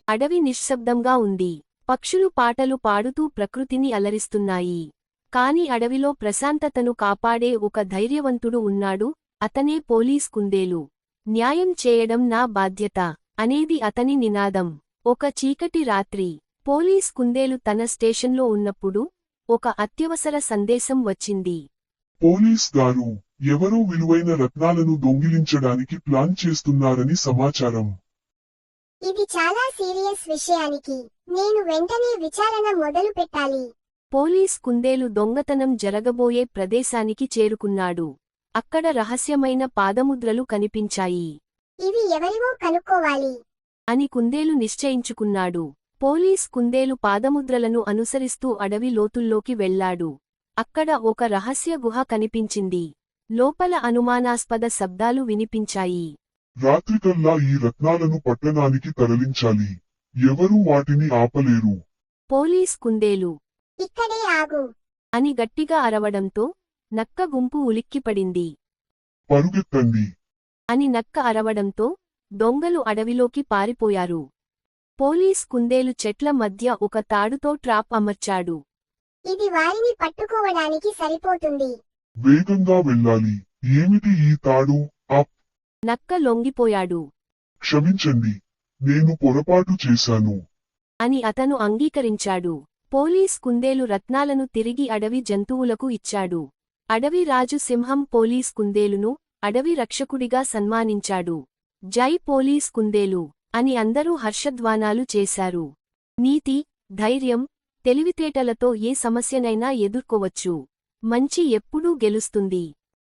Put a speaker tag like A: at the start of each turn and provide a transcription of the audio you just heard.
A: అడవి నిశ్శబ్దంగా ఉంది. పక్షులు పాటలు పాడుతూ ప్రకృతిని అలరిస్తున్నాయి. కాని అడవిలో ప్రశాంతతను కాపాడే ఒక ధైర్యవంతుడు ఉన్నాడు, అతనే పోలీస్ కుందేలు. న్యాయం చేయడం నా బాధ్యత అనేది అతని నినాదం. ఒక చీకటి రాత్రి పోలీస్ కుందేలు తన స్టేషన్లో ఉన్నప్పుడు ఒక అత్యవసర సందేశం వచ్చింది.
B: పోలీస్ గారు, ఎవరో విలువైన రత్నాలను దొంగిలించడానికి ప్లాన్ చేస్తున్నారని సమాచారం.
C: ఇది చాలా సీరియస్ విషయానికి నేను వెంటనే విచారణ మొదలు పెట్టాలి.
A: పోలీస్ కుందేలు దొంగతనం జరగబోయే ప్రదేశానికి చేరుకున్నాడు. అక్కడ రహస్యమైన పాదముద్రలు కనిపించాయి.
C: ఇవి ఎవరివో కనుక్కోవాలి
A: అని కుందేలు నిశ్చయించుకున్నాడు. పోలీస్ కుందేలు పాదముద్రలను అనుసరిస్తూ అడవి లోతుల్లోకి వెళ్లాడు. అక్కడ ఒక రహస్య గుహ కనిపించింది. లోపల అనుమానాస్పద శబ్దాలు వినిపించాయి.
B: రాత్రికల్లా ఈ రత్నాలను పట్టణానికి తరలించాలి. ఎవరూ వాటిని ఆపలేరు.
A: పోలీస్ కుందేలు
C: ఇక్కడే ఆగు
A: అని గట్టిగా అరవడంతో నక్క గుంపు ఉలిక్కిపడింది.
B: పరుగెత్తండి
A: అని నక్క అరవడంతో దొంగలు అడవిలోకి పారిపోయారు. పోలీస్ కుందేలు చెట్ల మధ్య ఒక తాడుతో ట్రాప్ అమర్చాడు.
C: ఇది వారిని పట్టుకోవడానికి సరిపోతుంది.
B: వేగంగా వెళ్ళాలి. ఏమిటి ఈ తాడు? అప్.
A: నక్క లొంగిపోయాడు.
B: క్షమించండి, నేను పొరపాటు చేశాను
A: అని అతను అంగీకరించాడు. పోలీస్ కుందేలు రత్నాలను తిరిగి అడవి జంతువులకు ఇచ్చాడు. అడవి రాజు సింహం పోలీస్ కుందేలును అడవి రక్షకుడిగా సన్మానించాడు. జై పోలీస్ కుందేలు అని అందరూ హర్షధ్వానాలు చేశారు. నీతి, ధైర్యం, తెలివితేటలతో ఏ సమస్యనైనా ఎదుర్కోవచ్చు. మంచి ఎప్పుడూ గెలుస్తుంది.